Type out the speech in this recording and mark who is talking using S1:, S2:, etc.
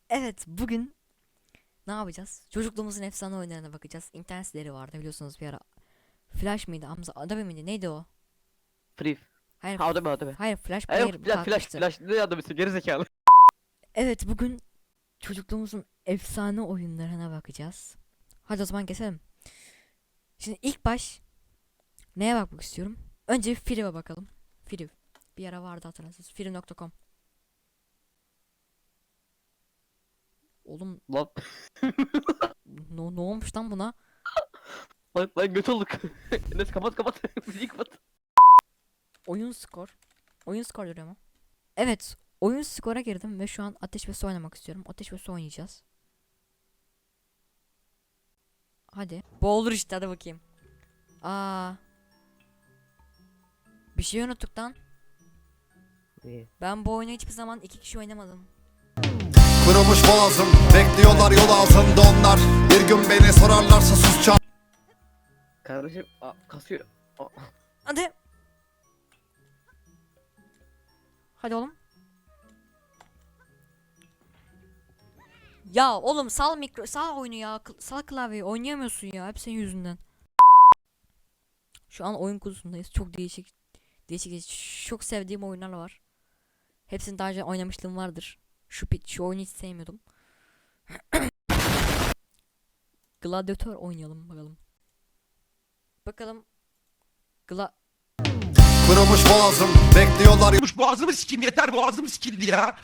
S1: Evet, bugün ne yapacağız? Çocukluğumuzun efsane oyunlarına bakacağız. İnternet siteleri vardı biliyorsunuz bir ara. Flash mıydı? Hamza Adobe miydi? Neydi o?
S2: Free.
S1: Hayır,
S2: Ha, o da mı, o da mı?
S1: hayır, Flash
S2: Ha, yok,
S1: Player
S2: flash
S1: kalkmıştı.
S2: ne adamı geri zekalı.
S1: Evet, bugün çocukluğumuzun efsane oyunlarına bakacağız. Hadi o zaman geçelim. Şimdi ilk baş neye bakmak istiyorum? Önce Friv'e bakalım. Friv. Bir ara vardı hatırlarsınız. Friv.com. Oğlum
S2: Lan
S1: ne olmuş lan buna?
S2: lan göt olduk. Enes kapat müziği kapat.
S1: Oyun skor. Oyun skor diyor ama. Evet, oyun skora girdim ve şu an Ateş ve Su oynamak istiyorum. Ateş ve Su oynayacağız. Hadi. Bu olur işte, hadi bakayım. Aa. Bir şey unuttuk lan.
S2: İyi.
S1: Ben bu oyunu hiçbir zaman iki kişi oynamadım.
S3: Kırılmış boğazım, bekliyorlar yol ağzında onlar. Bir gün beni sorarlarsa sus çal.
S2: Kardeşim kasıyor.
S1: Hadi. Hadi oğlum. Ya oğlum sal oyunu ya. Sal klavyeyi, oynayamıyorsun ya. Hep senin yüzünden. Şu an oyun kursundayız. Çok değişik çok sevdiğim oyunlar var. Hepsini daha önce oynamışlığım vardır. Şu oyunu hiç sevmiyordum. Gladyatör oynayalım bakalım. Bakalım.
S3: Kırılmış boğazım, bekliyorlar
S4: Boğazımı sikeyim, yeter, boğazım sikildi ya.